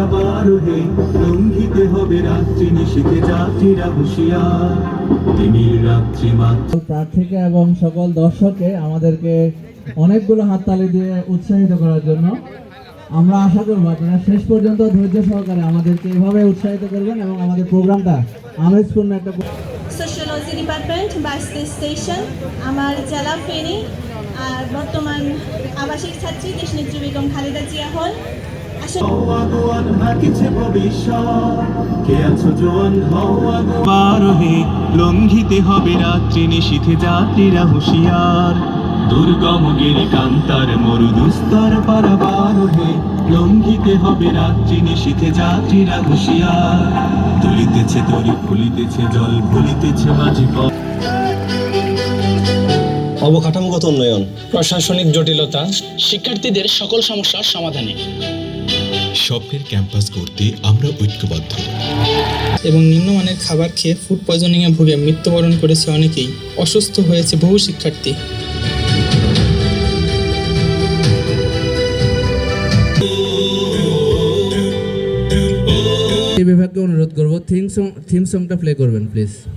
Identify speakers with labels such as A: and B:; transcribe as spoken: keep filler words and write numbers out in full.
A: পারাবার হে লঙ্ঘিতে হবে রাত্রি নিশীথে যাত্রীরা হুঁশিয়ার তিমির রাত্রি মাত্র।
B: প্রার্থীকে এবং সকল দর্শককে আমাদেরকে অনেকগুলো হাততালি দিয়ে উৎসাহিত করার জন্য আমরা আশা করবো আপনারা শেষ পর্যন্ত ধৈর্য সহকারে আমাদেরকে এভাবে উৎসাহিত করবেন এবং আমাদের প্রোগ্রামটা আমেজপূর্ণ একটা।
C: সোশিওলজি ডিপার্টমেন্ট বাইশটি স্টেশন আমার জেলা ফেনী আর বর্তমান আবাসিক ছাত্রী দেশনেত্রী বেগম খালেদা জিয়া হল।
A: আগুয়ান হাকিছে ভবিষ্যৎ কে আছো জোয়ান হও আগুয়ার হে লঙ্ঘিতে হবে রাত্রি নিশীথে যাত্রীরা হুঁশিয়ার দুর্গম গিরি কান্তার মরু দুস্তর পারাবার হে লঙ্ঘিতে হবে রাত্রি নিশীথে যাত্রীরা হুঁশিয়ার তুলিতেছে তরি ফুলিতেছে জল ভুলিতেছে মাঝি পথ।
D: অবকাঠামোগত উন্নয়ন,
E: প্রশাসনিক জটিলতা, শিক্ষার্থীদের সকল সমস্যার সমাধানে
F: স্বপ্নের ক্যাম্পাস করতে আমরা ঐক্যবদ্ধ।
E: এবং নিম্নমানের খাবার খেয়ে ফুড পয়জনিংয়ে ভুগে মৃত্যুবরণ করেছে অনেকেই, অসুস্থ হয়েছে বহু শিক্ষার্থী।
B: এই বিভাগকে অনুরোধ করবো থিম সং থিম সংটা প্লে করবেন প্লিজ।